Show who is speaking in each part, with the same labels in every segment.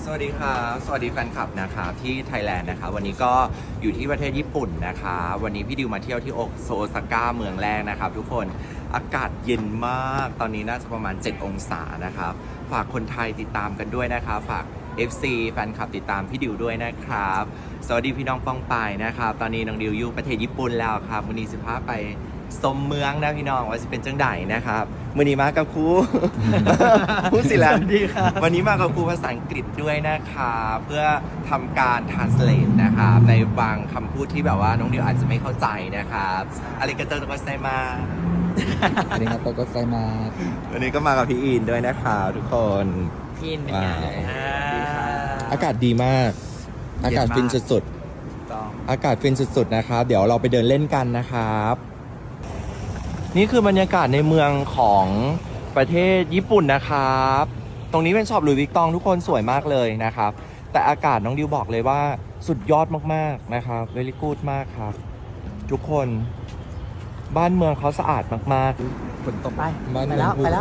Speaker 1: สวัสดีครับสวัสดีแฟนคลับนะครับที่ไทยแลนด์นะครับวันนี้ก็อยู่ที่ประเทศญี่ปุ่นนะคะวันนี้พี่ดิวมาเที่ยวที่โอซาก้าเมืองแรกนะครับทุกคนอากาศเย็นมากตอนนี้น่าจะประมาณ7องศานะครับฝากคนไทยติดตามกันด้วยนะคะฝาก FC แฟนคลับติดตามพี่ดิวด้วยนะครับสวัสดีพี่น้องป้องปายนะครับตอนนี้น้องดิวอยู่ประเทศญี่ปุ่นแล้วครับวันนี้15ไปสมเมืองนะพี่น้องว่าจะเป็นจังไดนะครับวันนี้มากับครู พูดสิแล้ววันนี้มากับครูภาษาอังกฤษด้วยนะคะเพื่อทำการ translate นะครับในบางคำพูดที่แบบว่าน้องดิวอาจจะไม่เข้าใจนะครับอาริกาโตโตกัสไซมา
Speaker 2: ありがとうございます。
Speaker 1: วันนี้ก็มากับพี่อินด้วยนะคะทุกคน
Speaker 3: พี่อินเป็นไง
Speaker 1: อากาศดีมาก อากาศฟินสุดๆอากาศฟินสุดๆนะครับเดี๋ยวเราไปเดินเล่นกันนะครับนี่คือบรรยากาศในเมืองของประเทศญี่ปุ่นนะครับตรงนี้เป็นช็อปหลุยส์วิกตองทุกคนสวยมากเลยนะครับแต่อากาศน้องดิวบอกเลยว่าสุดยอดมากๆนะครับเวลี่กูดมากครับทุกคนบ้านเมืองเขาสะอาดมากๆฝนตก
Speaker 3: ไป
Speaker 1: บ้าน
Speaker 3: ไป
Speaker 1: เมื
Speaker 3: แล้
Speaker 1: อง
Speaker 3: วไปแล้ว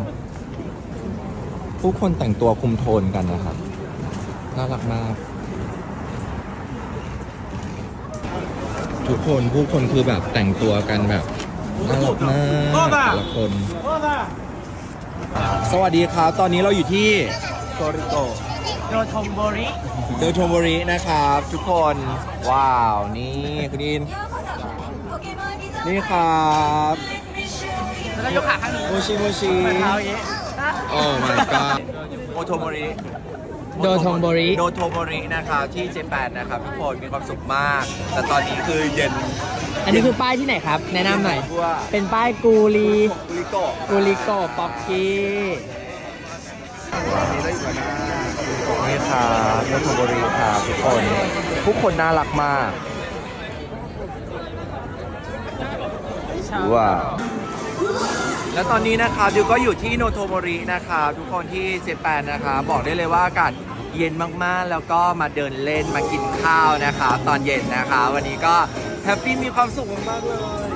Speaker 1: ผู้คนแต่งตัวคุมโทนกันนะครับน่ารักมากทุกคนผู้คนคือแบบแต่งตัวกันแบบน่ารักมากแต่ละคนสวัสดีครับตอนนี้เราอยู่ที่โตริโก
Speaker 3: โดโทมโบริ
Speaker 1: เดอโทโมรินะครับทุกคนว้าวนี่คุณอินนี่ครับ
Speaker 3: แล้วก็ยกขาข้างนี้
Speaker 1: โมชิโมชิ
Speaker 3: เหมือนเท้าอย่างนี้
Speaker 1: โอ้ my god โอโทโมริ
Speaker 3: โดโทมโบริ
Speaker 1: โดโทโมรินะครับที่เจแปนนะครับทุกคนมีความสุขมาก แต่ตอนนี้คือเย็น
Speaker 3: อันนี้คือป้ายที่ไหนครับ แนะนำหน่อย
Speaker 1: ว่า
Speaker 3: เป็นป้ายกูรี
Speaker 1: กุริโกะ
Speaker 3: กูริโกป๊อกกี้
Speaker 1: นี่ครับโดโทโมริครับทุกคนน่ารักมากว้าวแล้วตอนนี้นะครับดิวก็อยู่ที่โนโทโมรินะครับทุกคนที่เจแปนนะครับบอกได้เลยว่าอากาศเย็นมากๆแล้วก็มาเดินเล่นมากินข้าวนะครับตอนเย็นนะคะวันนี้ก็แฮปปี้มีความสุขมากๆเลย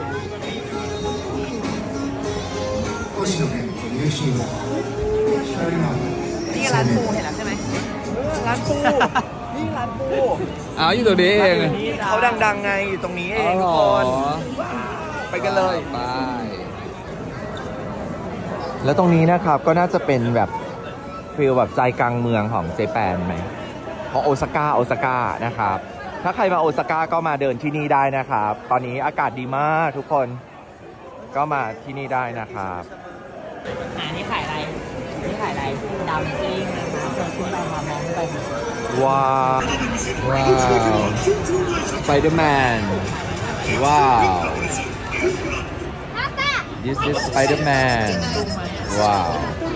Speaker 3: นี่ร้านปูเห็นแล้วใช่ไหม
Speaker 1: ร้านปูนี่ร้านปู
Speaker 2: อ้าวอยู่ตรงนี้เอง
Speaker 1: เขาดังๆไงอยู่ตรงนี้เองทุกคนไปกันเลย
Speaker 2: ไป
Speaker 1: แล้วตรงนี้นะครับก็น่าจะเป็นแบบฟีลแบบใจกลางเมืองของเจแปนไหมของโอซาก้านะครับถ้าใครมาโอซาก้าก็มาเดินที่นี่ได้นะครับตอนนี้อากาศดีมากทุกคนก็มาที่นี่ได้นะครับ
Speaker 3: นี่ขายอะไร นี่ขายอะไรดาวซิ่งนะคะเชิญขึ้นไปมามองขึ้นไปค่ะ
Speaker 1: ว้าวสไปเดอร์แมนว้าว This is Spider-Man ว้าว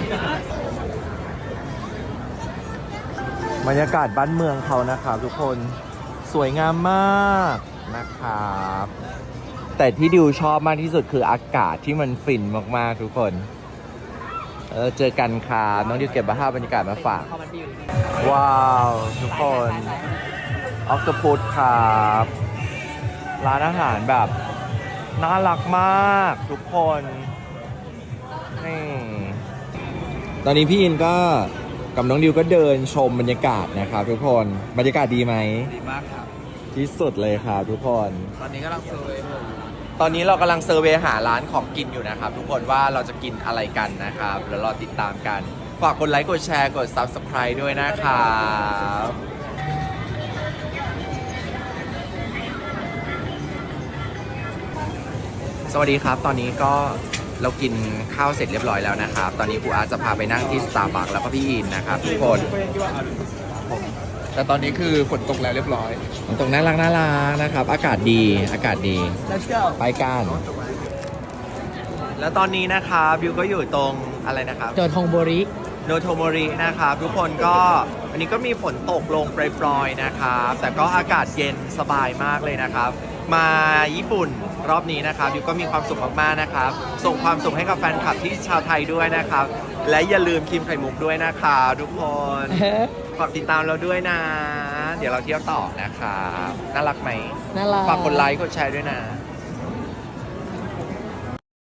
Speaker 1: บรรยากาศบ้านเมืองเขานะครับทุกคนสวยงามมากนะครับแต่ที่ดิวชอบมากที่สุดคืออากาศที่มันฟินมากๆทุกคนเจอกันครับน้องดิวเก็บภาพบรรยากาศมาฝาก
Speaker 3: พอมันไปอยู่ที่
Speaker 1: ว้าวทุกคนออ t โตพุตครับร้านอาหารแบบน่ารักมากทุกคนนี่ตอนนี้พี่อินก็กับน้องดิวก็เดินชมบรรยากาศนะครับทุกคนบรรยากาศดีไหม
Speaker 3: ดีมากครับ
Speaker 1: ที่สุดเลยครับทุกคน
Speaker 3: ตอนนี้กำลังเซอร์เวย์
Speaker 1: ตอนนี้เรากำลังเซอร์เวย์หาร้านของกินอยู่นะครับทุกคนว่าเราจะกินอะไรกันนะครับแล้วรอติดตามกันฝากกดไลค์กดแชร์กด Subscribe ด้วยนะครับสวัสดีครับตอนนี้ก็เรากินข้าวเสร็จเรียบร้อยแล้วนะครับตอนนี้ครูอาร์ตจะพาไปนั่งที่ Starbucks แล้วก็พี่อินนะครับทุกคน
Speaker 2: แต่ตอนนี้คือฝนตกแล้วเรียบร้อย
Speaker 1: ตรงน่ารักนะครับอากาศดี
Speaker 3: Let's go
Speaker 1: ไปกันแล้วตอนนี้นะครับบิวก็อยู่ตรงอะไรนะครับ
Speaker 3: โดโทมโบริ
Speaker 1: โนโทโมรินะครับทุกคนก็วันนี้ก็มีฝนตกลงปล่อยๆนะครับแต่ก็อากาศเย็นสบายมากเลยนะครับมาญี่ปุ่นรอบนี้นะครับบิวก็มีความสุขมากๆนะครับส่งความสุขให้กับแฟนคลับที่ชาวไทยด้วยนะครับและอย่าลืมครีมไข่มุกด้วยนะครับทุกคนฝากติดตามเราด้วยนะ เดี๋ยวเราเที่ยวต่อนะครับน่ารักไหม
Speaker 3: น่ารัก
Speaker 1: ฝากกดไลค์กดแชร์ด้วยนะ